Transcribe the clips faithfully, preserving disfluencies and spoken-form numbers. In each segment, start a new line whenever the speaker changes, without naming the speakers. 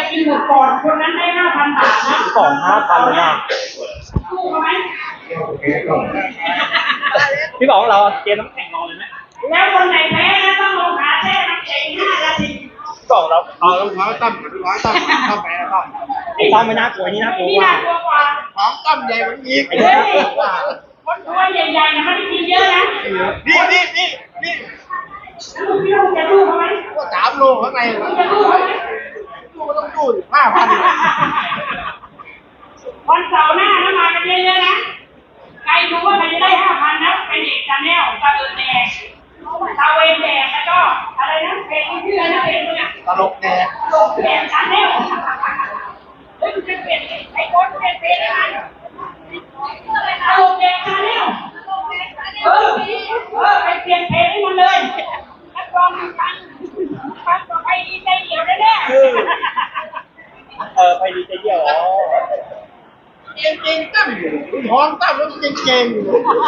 กินหมดก่อนคนนั้นได้ห้าพันบาทนะ
สองห้าพันเลยนะ
สู้เขาไหม
พี่บอกเราเกมน้ำแข็งรอเลยไหม
แล้วคนไหนแพ้นะต้องลงขาแช่น้ำแข็งห้านาที
บอกเรา
เอาลูกน้อยตั้มกับลูกน้อยตั้มเข้าไปแล้วตั้ม
ไอ้ตั้มไม่น่ากลัวนี่น่ากลัว
นี่น่ากลัวกว่า
ของตั้มใหญ่กว่าอีก
ไอ้นี่น่ากลัวกว่า
คนตัวใหญ่ๆนะไม่ได้กินเยอะนะ
นี่นี่นี่นี่
ลูกพี่ลูกจะลูกเขาไหม
ก็สามโลข้างใน
จะลูกเขาไหม
ลูกต้องดูห้าพัน
วันเสาร์หน้านะมากันเยอะๆนะใครรู้ว่าใครจะได้ห้าพันนะเป็นเอกชาแนลตะเอิญแดงตะเวนแดงแล้วก็อะไรนะเพลงชื่ออะไรนะเพลงเนี่ย
ตลกแดง
ตลกแดงชาแนลเฮ้ยมันจะเปลี่ยนไอ้คนเปลี่ยนเพลงอะไรตลกแดงชาแนลเออเออไปเปลี่ยนเพลงให้มันเลยนักร้องฟังฟังต่อไปดีใจเดียวแน่ๆ
เออไปดีใจเดียวอ๋อ
เก่งเก่งตั้มอยู่ท้องตั้มแล้วเก่งเก่งอยู่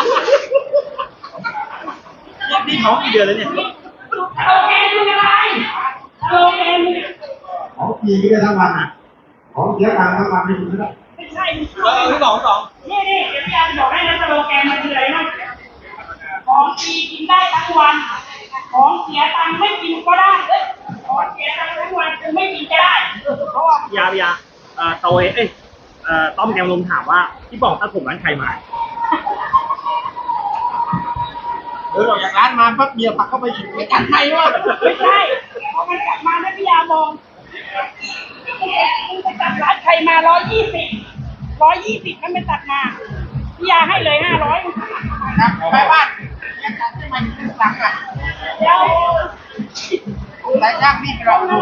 นี่ท้องกี่เดือนแล้วเนี่ย
โอเคดูอะไรโอเค
ของปีก็ได้ทั้งวันอ่ะของเสียตังค์ทั้งวันไม่ถึงแล้ว
ไม่ใช่
เออพี่สองสอง
นี่นี่เดี๋ยวพี่อาจะบอกให้นะสโลแกนมันคืออะไรนะของดีกินได้ทั้งวันของเสียตังค์ไม่กินก็ได้ของเสียตังค์ทั้งวันคือไม่กินก็ได้เพราะว่าย
ายาเอ่อโตเอ้ยเอ่อต้อมแกงลมถามว่าพี่บอกตัดผมร้านใครมา
เออออกจากร้านมาปั๊บเมียผักเข้าไปอีกไม่กัดใครวะ
ไม่ใช่พอมันกลับมาแล้วพี่ยามองมันไปตัดร้านใครมาร้อยยี่สิบร้อยยี่สิบมันไปตัดมาพี่ยาให้เลยห้าร้อย
ครับไปบ้านยังตัดไม่มาถึงหลังอ่ะ
เดี๋ยว
หลายย่างนี่เราดู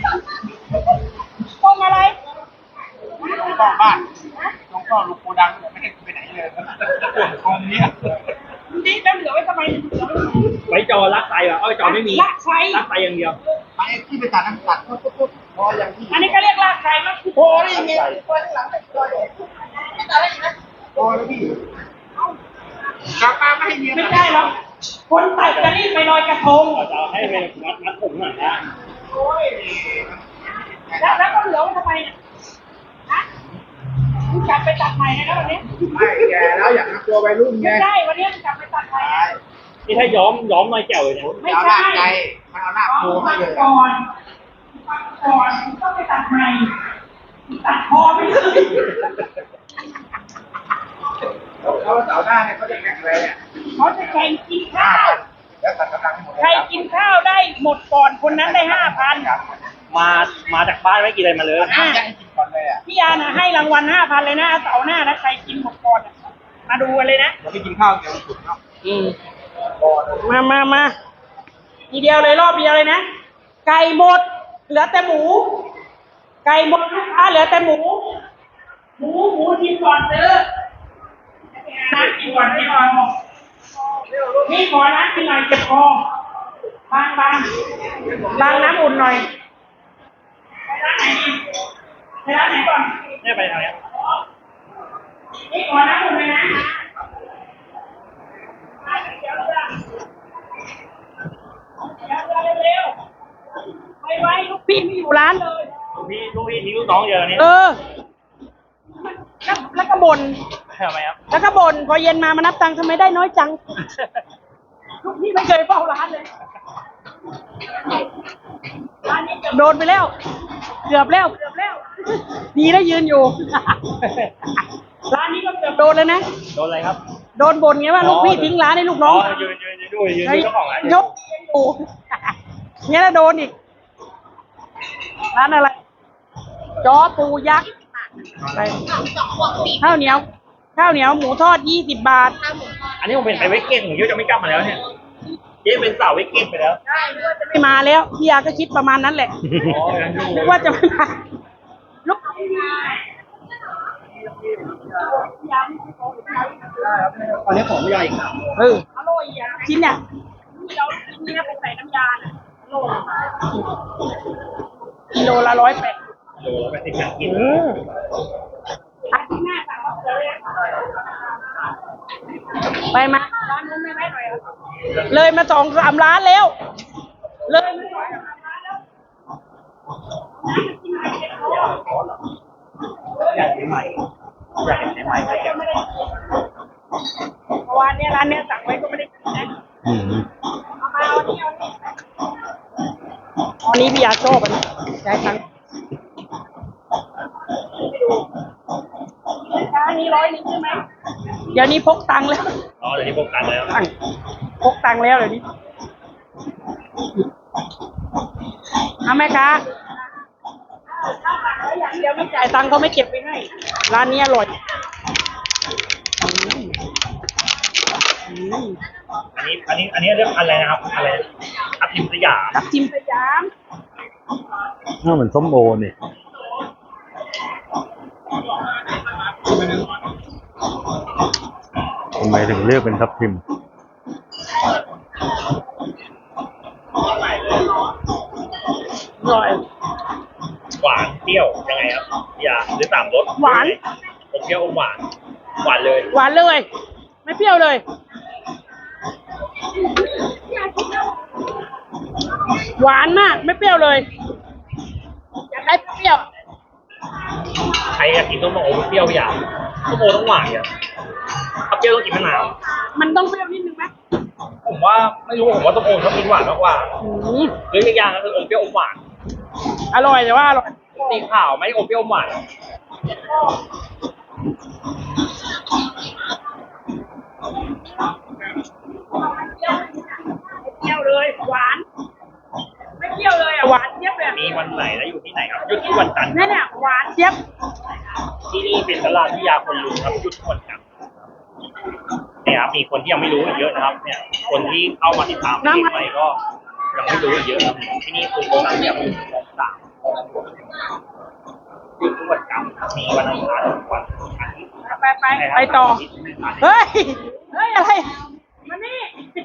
ต้องอะไร
ต้องบ้านต้องก็ลูกโกดังไม่ได้ไปไหนเลยตรงนี้
นี่แล้วเหลือไว้ทำไม
ไว้จอรักใจแบบเอาจอไม่มี
รักใช้
รักใจอย่างเดียว
ไปที่ไปตัดน้ำตัดปุ๊บปุ๊บพออย่างที่
อันนี้ก็เรียกรักใช้มั้ย
พอได้ยังไงพอหลังไม่พอเลยไม่ตัดได้ยังไงพอแล้วพี่กลับมาไม่ให้เมีย
ไม่ได้หรอกคนตัดจะรีบไปลอยกระทง
จะให้เป็นมัดมัดผมหน่อยนะ
โอ้ย
แล้วแล้วก็เหลือไว้ทำไมเนี่ยฮะคุณกลับไปตัดใหม่นะวันนี้
ไม่แก่แล้วอยากทำตัววัยรุ่นไง
ไม่ได้วันนี้กลับไปตัดใหม่
นี่ถ้าย้อมย้อมน้อยแก้วเลยเนี่ย
ไม่ใช่ใจมันเอาหน้าโผล่ให้เลย
ก่อนก่อนต้องไปตัดใหม่ตัดคอไปเลย
แล้วเสาร์หน้าเนี่ยเขาจะแข่งอะไรเนี่ย
เขาจะแข่งกินข้าว
แล้วตัดกำลังหมด
ใครกินข้าวได้หมดก่อนคนนั้นได้ห้าพัน
มามาจากบ้านไม่กินอะไรมาเลย
พี่ยานะให้รางวัลห้าพันเลยนะเสาร์หน้านะใครกินหมดก่อนมาดูกันเลยนะ
เราไม่กินข้าวเดี๋ยวสุดเนาะ
อืมมามามาทีเดียวเลยรอบเดียวเลยนะไก่หมดเหลือแต่หมูไก่หมดลูกค้าเหลือแต่หมูหมูหมูกินก่อนเด้อนัดกินก่อนนี่ก่อนนี่ขอนัดกินหน่อยเจ็บคอบางบางบางน้ำอุ่นหน่อยไปร้านไหนไปร้านไหนก่อน
นี่ไปทางนี้
นี่ขอน้ำอุ่นเลยนะเดี๋ยวเดี๋ยวเร็วๆไปไว้ลูกพี่ไม่อยู่ร้านเลย
ลูกพี่ลูกพี่ทิ้งลูกน้องเยอะนี่
เออแล้วก็บ่น
ทำไมครับ
แล้วก็บ่นพอเย็นมามานับตังค์ทำไมได้น้อยจังลูกพี่ไม่เคยเฝ้าร้านเลยร้านนี้โดนไปแล้วเกือบแล้วเกือบแล้วดีแล้วยืนอยู่ร้านนี้ก็เกือบโดนเลยนะ
โดนอะไรครับ
โดนบ่นไงว่าลูกพี่ทิ้งร้านให้ลูกน้อง
ยืนยืนยืนด้วยยืนด้วยเจ้าของร้าน
ยกอยู่เนี่ยแล้วโดนอีกร้านอะไรจอปูยักษ์ไปข้าวเหนียวข้าวเหนียวหมูทอดยี่สิบบาท
อันนี้ผมเป็นไปเวกเก้นผมยุจะไม่กลับมาแล้วเนี่ยเจ๊เป็นสาวเวกเก้นไปแล้ว
ใช่นึกว่าจะไม่มาแล้วพี่ยาก็คิดประมาณนั้นแหละนึกว่าจะไม่มาลูก
ตอนนี้ของไม่ใหญ่ครับ
เอออร่อยอ่ะชิ้นเนี่ยเราชิ้นนี้ไปใส่น้ำยากิโลละร้อยแปด
กิโลละแปดสิบกิน
ไปมาร้านนู้นไม่ไหวหน่อยเลยมาสองสามร้านแล้วเลยมาสองสามร้านแล้ว
ใหม่อยากเห็นใหม่เลย
เพราะว่าเนี่ยร้านเนี้ยสั่งไว้ก็ไม่ได้กินนะ
อืม
เอามาเอานี่เอานี่อันนี้พี่ยาชอบอันนี้ยายตังค์ไปดูร้านนี้ร้อยหนึงใช่ไหมเดี๋ยวนี้พกตังค์แล้ว
อ๋อเดี๋ยวนี้พบกันแล้ว
ตังค์พกตังค์แล้วเดี๋ยวนี้เอาไหมคะอย่างเดียวไม่จ่ายตังค์เขาไม่เก็บไปให้ร้านนี้อร่อยอืม
อันนี้อันนี้อันนี้เรื่องอะไรนะครับอะไรทับทิมสยาม
ทับทิมสยาม
น่าเหมือนส้มโอเนี่ยทำไมถึงเรียกเป็นทับทิม
อร่อย
หวานเปรี้ยวยังไงครับพี่ยาหรือสามรส
หวาน
ผมเปรี้ยวอมหวานหวานเลย
หวานเลย ไม่เปรี้ยวเลย หวานมากไม่เปรี้ยวเลยอยากได้เปรี้ยว
ใครอยากกินส้มโอเปรี้ยวพี่ยาส้มโอต้องหวานเนี่ยถ้าเปรี้ยวต้องกินมะนาว
มันต้องเปรี้ยวนิดนึงไหม
ผมว่าไม่รู้ผมว่าส้มโอชอบกินหวานมากกว่า
อืม
หรืออีกอย่างก็คืออมเปรี้ยวอมหวาน
อร่อยแต่ว่าอร่อย
สีขาวไม่อมเปรี้ยวอมหวาน
ไม่เปรี้ยวเลยหวาน ไม่เปรี้ยวเลยอ่ะหวานเจี๊ยบเลย
มีวันไหนแล้วอยู่ที่ไหนครับหยุดที่วันจันทร์
นั่นเนี่ยหวานเจี๊ยบ
ที่นี่เป็นตลาดพิยาคนลุงครับหยุดทุกวันจันทร์เนี่ยครับมีคนที่ยังไม่รู้อีกเยอะนะครับ เนี่ย คนที่เข้ามาติดตามเพจไปก็ยังไม่รู้อีกเยอะครับที่นี่คือตลาดพิยาคนลุงของสามหยุดทุกวันจันทร์ครับมีวันอังคารทุกวันอาทิตย์
ไปไปไปต่อ เฮ้ย เฮ้ยอะไร มานี่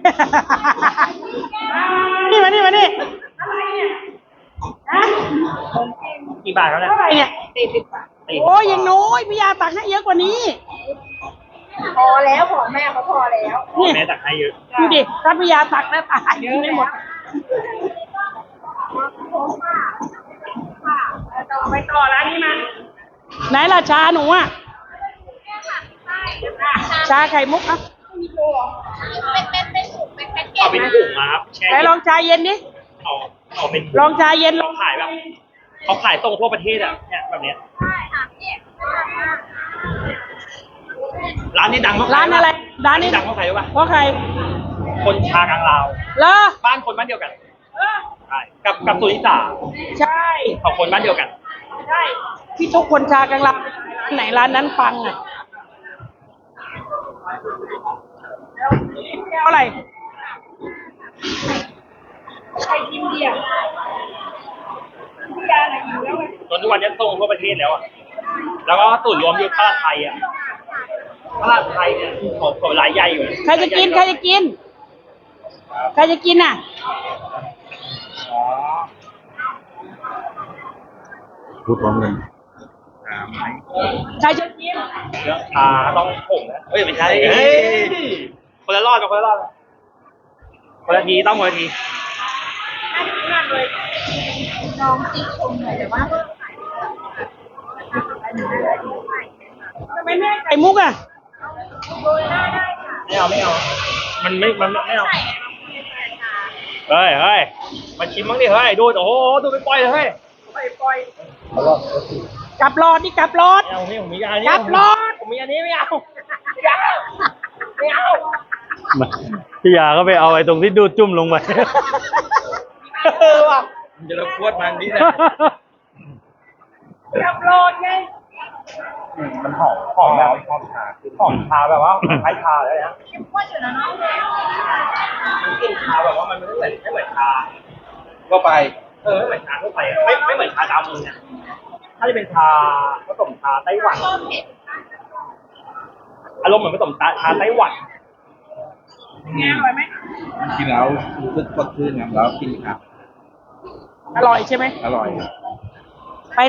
นี่มานี่มานี่อะไรเนี่ยฮะ
กี่บาทครับเนี่ย
เท่าไหร่เนี่ยสี่สิบบาทโอ้ยยังน้อยพี่ยาตักให้เยอะกว่านี้
พอแล้วของแม่เขาพอแล้ว
พ่อแม่ตักให้เยอะ
ดูดิถ้าพี่ยาตักแล้วตายกินไม่หมดต่อไปต่อร้านนี้มาไหนล่ะชาหนูอ่ะชาไข่มุกอ่ะ
เป็นเป็นเป็นถุงเป็นแพ็กเก
เอา
จ
เป็น
มา
ถุงมาครับแช่
ไหนลองชาเย็นดิ
เอาเอาเป็น
ลองชาเย็นล
เรา
อง
ขายแบบเขาขายส่งทั่วประเทศอ่ะเนี่ยแบบเนี้ย
ใช่ค่ะเนี่ย
ร้านนี้ดังมาก
ร้านอะไรร้านนี้
ดังเพราะใครรู้ป่ะ
เพราะใคร
คนชากลางลาว
เหรอ
บ้านคนบ้านเดียวกัน
เออ
ใช่กับกับสุนิสา
ใช่
ของคนบ้านเดียวกัน
ใช่พี่ทุกคนชากลางลาวร้านไหนร้านนั้นปังอ่ะแก้วอะไรใครกินเดียวพี่ยาไหนอยู่แล้วไง
จนทุกวันนี้ส่งทั่วประเทศแล้วอ่ะแล้วก็สูตรรวมอยู่ตลาดไทยอ่ะตลาดไทยเนี่ยของของรายใหญ่อยู่
ใครจะกินใครจะกินใครจะกินอ่ะ
อ๋อ
พูดพร้อมกัน
ใครจะกิน
เรื่องชาต้องผงนะเอ้ยไม่ใช่เฮ้ยคนละรอดกับคนละรอดคนละทีต้องคนละที
มากเลย
น้องติชมเลยแต่ว่า
ทำไมไม่ให้ไข่มุกอ่ะ
ไม่เอาไม่เอา มันไม่ มันไม่เอา เฮ้ยเฮ้ยมาชิมบ้างดิเฮ้ย ดู โอ้โห ดูไปปล่อยเลยเฮ้ย
ปล่อยปล่อยกลับรอดนี่กลับรอด
ไม่เอาไม่ผมมีอันนี้
กลับรถ
ผมมีอันนี้ไม่เอาไม่เอาไม่เอา
มาพี่ยาก็ไปเอาไอ้ตรงที่ดูดจุ่มลงไป
เออว่ะมันจะรบกวนมันนี่แหละ
กลับรอดไง
มันหอมหอมแบบหอมชาหอมชาแบบว่าคล้ายชาเลยนะ
เข้มข้นอยู่นะน้อง
มันกลิ่นชาแบบว่ามันไม่เหมือนไม่เหมือนชาทั่วไป เออไม่เหมือนชาทั่วไปอะไม่ไม่เหมือนชาดำเนี่ยถ้าจะเป็นชาผสมชาไต้หวัน อารมณ์เหมือนผสมชาชาไต้หวัน
ไงอร่อยไหม
กินแล้วรู้สึกสดชื่นครับแล้วกินครับ
อร่อยใช่ไหม
อร่อยครับ